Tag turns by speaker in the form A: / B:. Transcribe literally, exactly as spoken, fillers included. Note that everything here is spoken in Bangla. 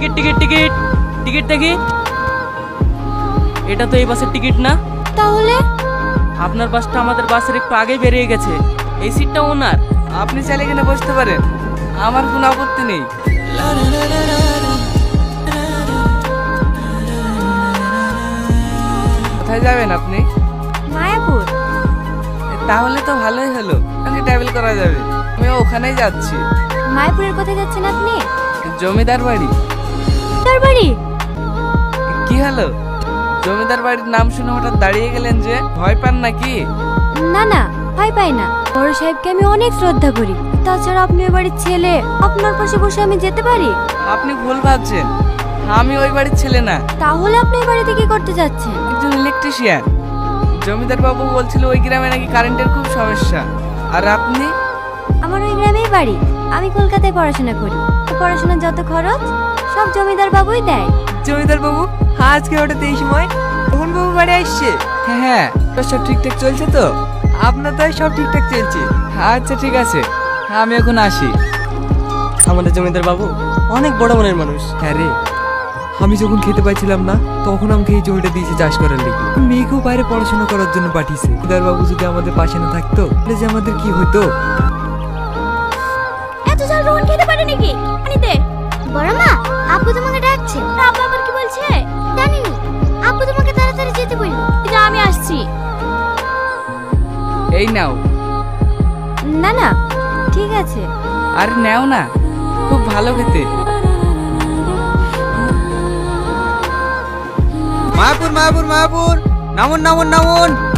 A: টিকিট টিকিট টিকিট টিকিট দেখি। এটা তো এই বাসের টিকিট না।
B: তাহলে
A: আপনার বাসটা আমাদের বাসের একটু আগে বেরিয়ে গেছে, এই সিটটা ওনার।
C: আপনি চাইলে এখানে বসতে পারেন, আমার কোনো আপত্তি নেই। কোথায় যাবেন আপনি?
B: মায়াপুর।
C: তাহলে তো ভালোই হলো, আমি ট্রাভেল করা যাবে। আমি ওখানেই যাচ্ছি।
B: মায়াপুরের কোথায় যাচ্ছেন আপনি?
C: জমিদার বাড়ি।
B: তার বাড়ি?
C: কি হলো, জমিদার বাড়ির নাম শুনে হঠাৎ দাঁড়িয়ে গেলেন যে? ভয় পান নাকি?
B: না না, ভয় পাই না। বড় সাহেবকে আমি অনেক শ্রদ্ধা করি। তাছাড়া আপনি ওই বাড়ির ছেলে, আপনার পাশে বসে আমি যেতে পারি?
C: আপনি ভুল ভাবছেন, আমি ওই বাড়ির ছেলে না।
B: তাহলে আপনি ওই বাড়িতে কি করতে যাচ্ছেন?
C: একজন ইলেকট্রিশিয়ান। জমিদার বাবু বলছিল ওই গ্রামে নাকি কারেন্টের খুব সমস্যা। আর আপনি?
B: আমার ওই গ্রামেই বাড়ি, আমি কলকাতায় পড়াশোনা করি। পড়াশোনার যত খরচ সব জমিদার বাবুই দেয়।
D: জমিদার বাবু আজকে হঠাৎ এই সময় মোহন বাবু বাড়ি আসছে?
C: হ্যাঁ হ্যাঁ, তো সব ঠিকঠাক চলছে তো?
D: আপনার তো সব ঠিকঠাক চলছে।
C: আচ্ছা ঠিক আছে, আমি এখন আসি।
D: আমাদের জমিদার বাবু অনেক বড় মনের মানুষ।
E: হ্যাঁ রে, আমি যখন খেতে পাইছিলাম না তখন আমাকে এই জমিটা দিয়েছে চাষ করার লেগে। মেয়েকেও বাইরে পড়াশোনা করার জন্য পাঠিয়েছে। জমিদার বাবু যদি আমাদের পাশে না থাকতো তাহলে যে আমাদের কি হতো।
B: এত ঝাল রোহন খেতে পারে নাকি? আনিতে বড় মা, আপু তোমাকে ডাকছে। আপু আবার কি বলছে জানিনি। আপু তোমাকে তাড়াতাড়ি যেতে বলল। যা, আমি আসছি।
C: এই নাও।
B: না না, ঠিক আছে।
C: আর নাও না, খুব ভালো খেতে।
D: মায়াপুর মায়াপুর মায়াপুর, নামুন নামুন নামুন।